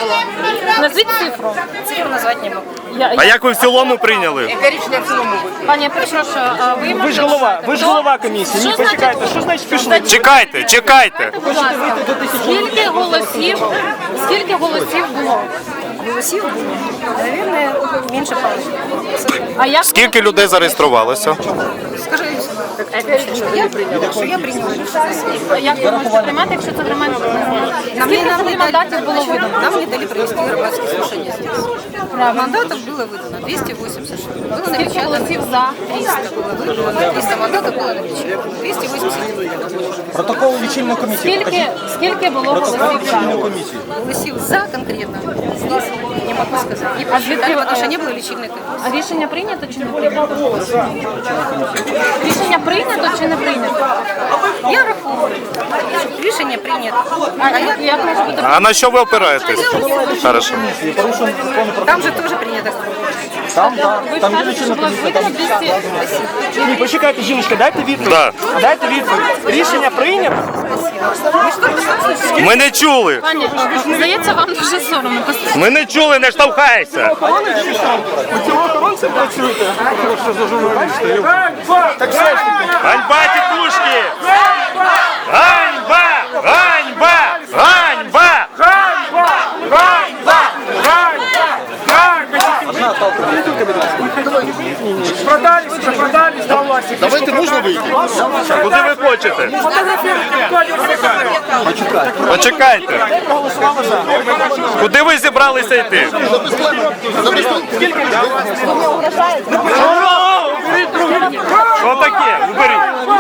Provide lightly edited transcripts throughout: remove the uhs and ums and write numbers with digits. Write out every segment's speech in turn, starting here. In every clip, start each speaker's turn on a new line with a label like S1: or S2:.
S1: було.
S2: Назвіть цифру.
S1: Цифру назвати не можу.
S3: А як ви в цілому прийняли?
S1: Яке рішення в цілому буде?
S2: Пані, я перепрошую,
S4: Ви ж голова комісії. Ні, почекайте, що значить пішли?
S3: Чекайте, чекайте.
S2: Будь ласка, скільки голосів було?
S1: Голосів було, мабуть, менше половини.
S2: А як
S3: Скільки людей зареєструвалося?
S1: Скажи, я прийняла.
S2: як ви можете приймати, якщо це громадське? Скільки взагалі мандатів було видано?
S1: Нам не дали провести громадские слушания здесь. Мандатов было выдано 280 штук. Было
S2: Скільки
S1: напечатано
S2: голосів за?
S1: 300 было выдано, 300 мандатов было напечатано. 280
S4: Протокол лічильної комісії.
S2: Скільки було голосів за?
S1: голосів за конкретно. Здесь не могу сказать. Не
S2: А
S1: посчитали, потому что не было лечильной комиссии.
S2: А рішення прийнято чи не прийнято? Рішення прийнято чи не прийнято?
S1: Я рахую. Рішення прийнято.
S2: А як може бути?
S3: А на що ви опираєтесь? Хорошо.
S1: Там же тоже принято.
S4: Там, так.
S2: Ви
S4: Там є
S2: кажете, що
S4: лічильна
S2: було
S4: комісія.
S2: видано 200...
S4: Ні, почекайте, жіночка, дайте відповідь.
S3: Да.
S4: Дайте відповідь. Рішення прийнято?
S3: Ми не чули.
S2: Пані, здається, вам дуже соромно.
S3: Ми не чули, не штовхайся.
S4: У цього охоронцем працюєте? Що за журналісти? Так все ж таки.
S3: Ганьба, тітушки! Ганьба! Ганьба! Ганьба!
S5: Продались, до власти.
S4: Давайте можна вийти?
S3: Куди ви хочете? Почекайте. Куди ви зібралися йти? Що таке? Уберіть.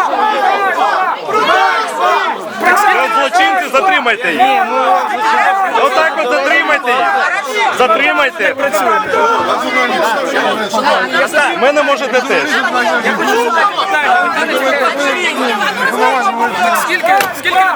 S3: Ви злочинці, затримайте їх. Отак от затримайте їх. Затримайте. Мене можете теж.
S5: Скільки